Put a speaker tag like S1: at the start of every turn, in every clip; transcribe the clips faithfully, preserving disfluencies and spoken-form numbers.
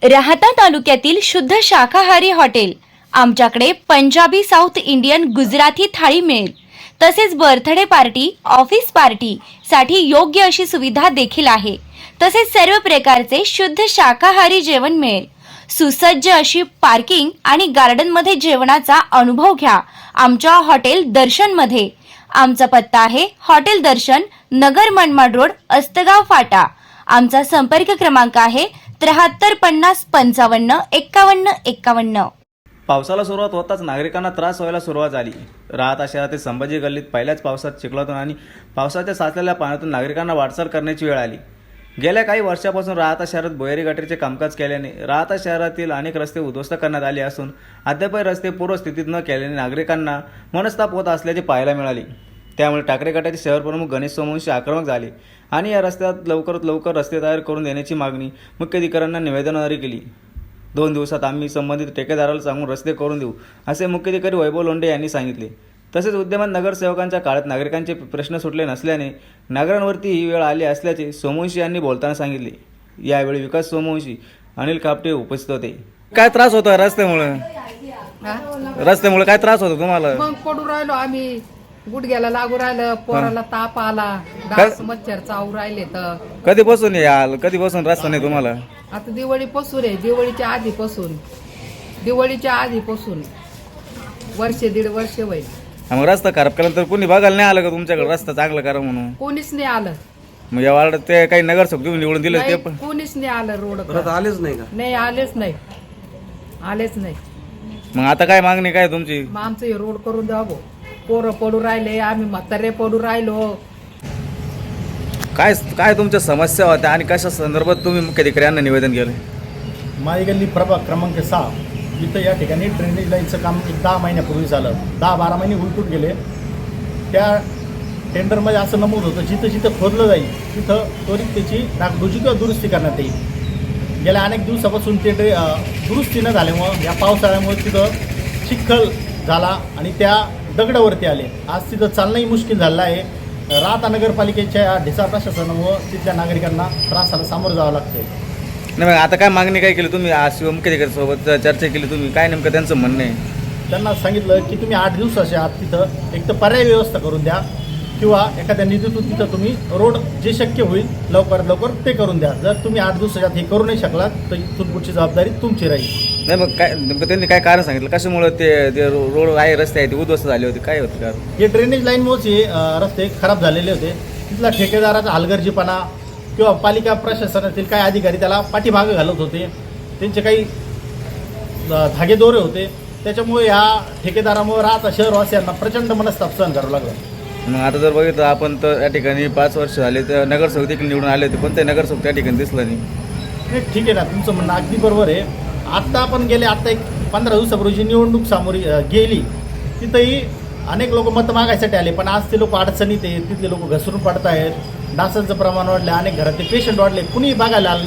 S1: राहता तालुक्यातील शुद्ध शाकाहारी हॉटेल। आमच्याकडे पंजाबी, साऊथ इंडियन, गुजराती थाळी मिळेल। तसेच बर्थडे पार्टी, ऑफिस पार्टी साठी योग्य अशी सुविधा देखील आहे। तसेच सर्व प्रकारचे शुद्ध शाकाहारी जेवण मिळेल। सुसज्ज अशी पार्किंग आणि गार्डन मध्ये जेवणाचा अनुभव घ्या आमच्या हॉटेल दर्शन मध्ये। आमचा पत्ता आहे हॉटेल दर्शन, नगर मनमाड रोड, अस्तगाव फाटा। आमचा संपर्क क्रमांक आहे त्र्याहत्तर पन्नास पंचावन्न एक्कावन्न एक्कावन्न।
S2: पावसाला सुरुवात होताच नागरिकांना त्रास व्हायला सुरुवात झाली। राहता शहरातील संभाजी गल्लीत पहिल्याच पावसात चिखलातून आणि पावसाच्या साचलेल्या पाण्यातून नागरिकांना वाटचाल करण्याची वेळ आली। गेल्या काही वर्षापासून राहता शहरात भुयारी गटारीचे कामकाज केल्याने राहता शहरातील अनेक रस्ते उद्ध्वस्त करण्यात आले असून अद्यापही रस्ते पूर्वस्थितीत न केल्याने नागरिकांना मनस्ताप होत असल्याचे पाहायला मिळाले। त्यामुळे टाकरे गटाचे शहर प्रमुख गणेश सोमवंशी आक्रमक झाले आणि या रस्त्यात लवकरात लवकर रस्ते तयार करून देण्याची मागणी मुख्याधिकाऱ्यांना निवेदनाद्वारे केली। दोन दिवसात आम्ही संबंधित ठेकेदाराला सांगून रस्ते करून देऊ असे मुख्याधिकारी वैभव लोंढे यांनी सांगितले। तसेच विद्यमान नगरसेवकांच्या काळात नागरिकांचे प्रश्न सुटले नसल्याने नागरिकांवरती ही वेळ आली असल्याचे सोमवंशी यांनी बोलताना सांगितले। यावेळी विकास सोमवंशी, अनिल कापटे उपस्थित होते। काय त्रास होता रस्त्यामुळे? रस्त्यामुळे काय त्रास होतो तुम्हाला?
S3: मग पडू राहिलो आम्ही, गुडघ्याला लागू राहिलं, पोराला ताप आला, डास मच्छर चावू राहिले। तर
S2: कधीपासून याल कधीपासून रस्ता नाही तुम्हाला?
S3: आता दिवाळीपासून आहे, दिवाळीच्या आधीपासून दिवाळीच्या आधीपासून वर्ष दीड वर्ष होईल।
S2: मग रस्ता खराब केला तर कोणी बघायला नाही आलं का तुमच्याकडे रस्ता चांगला करा म्हणून?
S3: कोणीच नाही आलं।
S2: मग या वार्डात ते काही नगरसेवक तुम्ही निवडून दिले ते पण
S3: कोणीच नाही आलं रोड
S4: आलेच नाही का?
S3: नाही आलेच नाही आलेच नाही
S2: मग आता काय मागणी काय तुमची?
S3: मग आमचं हे रोड करून द्या भाऊ। पोरं पडू राहिले, आम्ही म्हातारे पडू राहिलो।
S2: काय काय तुमच्या समस्या होत्या आणि कशा संदर्भात तुम्ही मुख्याधिकाऱ्यांना निवेदन केलं?
S5: माई गल्ली प्रभाग क्रमांक सहा इथं या ठिकाणी ड्रेनेज लाईनचं काम एक दहा महिन्यापूर्वी झालं। दहा बारा महिने उलटून गेले। त्या टेंडरमध्ये असं नमूद होतं जिथं जिथं खोदलं जाईल तिथं त्वरित त्याची डागडुजी किंवा दुरुस्ती करण्यात येईल। गेल्या अनेक दिवसापासून ते दुरुस्ती न झाल्यामुळं या पावसाळ्यामुळे तिथं चिखल झाला आणि त्या दगडावरती आले। आज तिथं चालणंही मुश्किल झालं आहे। राहता नगरपालिकेच्या ढिसाळ प्रशासनामुळं तिथल्या नागरिकांना त्रासाला सामोरं जावं लागते।
S2: नाही मग आता काय मागणी काय केली तुम्ही? आज शिव मुख्याधिकाऱ्यांसोबत चर्चा केली तुम्ही, काय नेमकं त्यांचं म्हणणं आहे?
S5: त्यांना सांगितलं की तुम्ही आठ दिवसाच्या आत तिथं एक तर पर्यायी व्यवस्था करून द्या किंवा एखाद्या निधीतून तिथं तुम्ही रोड जे शक्य होईल लवकरात लवकर ते करून द्या। जर तुम्ही आठ दिवसाच्या आत हे करू नाही शकलात तर इथून पुढची जबाबदारी तुमची राहील।
S2: नाही मग काय नेमकं त्यांनी काय कारण सांगितलं कशामुळे ते ते रोड आहे, रस्ते आहे ते उद्ध्वस्त झाले होते, काय होतं कारण?
S5: हे ड्रेनेज लाईनमुळेच हे रस्ते खराब झालेले होते। तिथला ठेकेदाराचा हलगर्जीपणा किंवा पालिका प्रशासनातील काही अधिकारी त्याला पाठीमागं घालत होते, त्यांचे काही धागेदोरे होते। त्याच्यामुळे ह्या ठेकेदारामुळे राहता शहरवासियांना प्रचंड मनस्ताप सहन करावं लागलं।
S2: मग आता जर बघितलं आपण तर या ठिकाणी पाच वर्ष झाले तर नगरसेवक देखील निवडून आले होते, पण ते नगरसेवक त्या ठिकाणी दिसलं नाही।
S5: नाही ठीक आहे ना, तुमचं म्हणणं अगदी बरोबर आहे। आत्ता आपण गेले आत्ता एक पंधरा दिवसापूर्वी जी निवडणूक सामोरी गेली तिथंही अनेक लोक मतं मागायसाठी आले, पण आज ते लोक अडचणीत आहेत, तिथले लोक घसरून पडत आहेत, डासांचं प्रमाण वाढलं, अनेक घरातले पेशंट वाढले, कुणीही बघायला आलं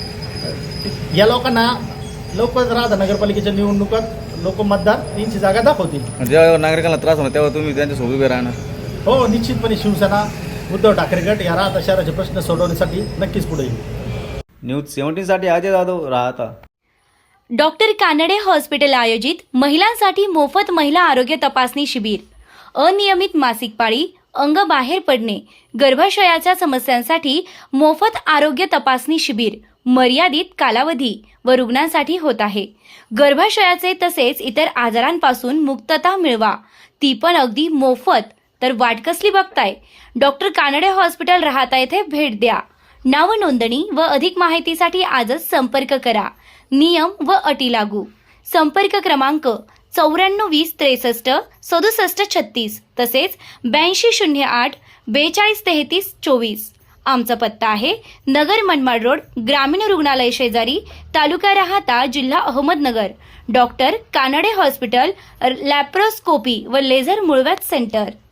S5: नाही। या लोकांना लवकरच राहता नगरपालिकेच्या निवडणुकात लोक मतदार यांची जागा दाखवतील।
S2: जेव्हा नागरिकांना त्रास होणार तेव्हा तुम्ही त्यांच्यासोबत उभे राहणार?
S5: हो निश्चितपणे शिवसेना उद्धव ठाकरे गट या राहता शहराचे प्रश्न सोडवण्यासाठी नक्कीच पुढे येईल।
S2: न्यूज सेव्हन्टीन साठी अजय जाधव, राहता।
S1: डॉक्टर कानडे हॉस्पिटल आयोजित महिलांसाठी मोफत महिला आरोग्य तपासणी शिबिर। अनियमित मासिक पाळी, अंग बाहेर पडणे, गर्भाशयाच्या समस्यांसाठी मोफत आरोग्य तपासणी शिबिर मर्यादित कालावधी व रुग्णांसाठी होत आहे। गर्भाशयाचे तसेच इतर आजारांपासून मुक्तता मिळवा, ती पण अगदी मोफत। तर वाट कसली बघताय? डॉक्टर कानडे हॉस्पिटल राहता येथे भेट द्या। नाव नोंदणी व अधिक माहितीसाठी आजच संपर्क करा। नियम व अटी लागू। संपर्क क्रमांक चौऱ्याण्णव वीस त्रेसष्ट सदुसष्ट छत्तीस तसेच ब्याऐंशी शून्य आठ बेचाळीस तेहतीस चोवीस। आमचा पत्ता आहे नगर मनमाड रोड, ग्रामीण रुग्णालय शेजारी, तालुका राहता, जिल्हा Ahmednagar. Doctor Kanade hospital, laparoscopy व लेझर मुळव्याध सेंटर।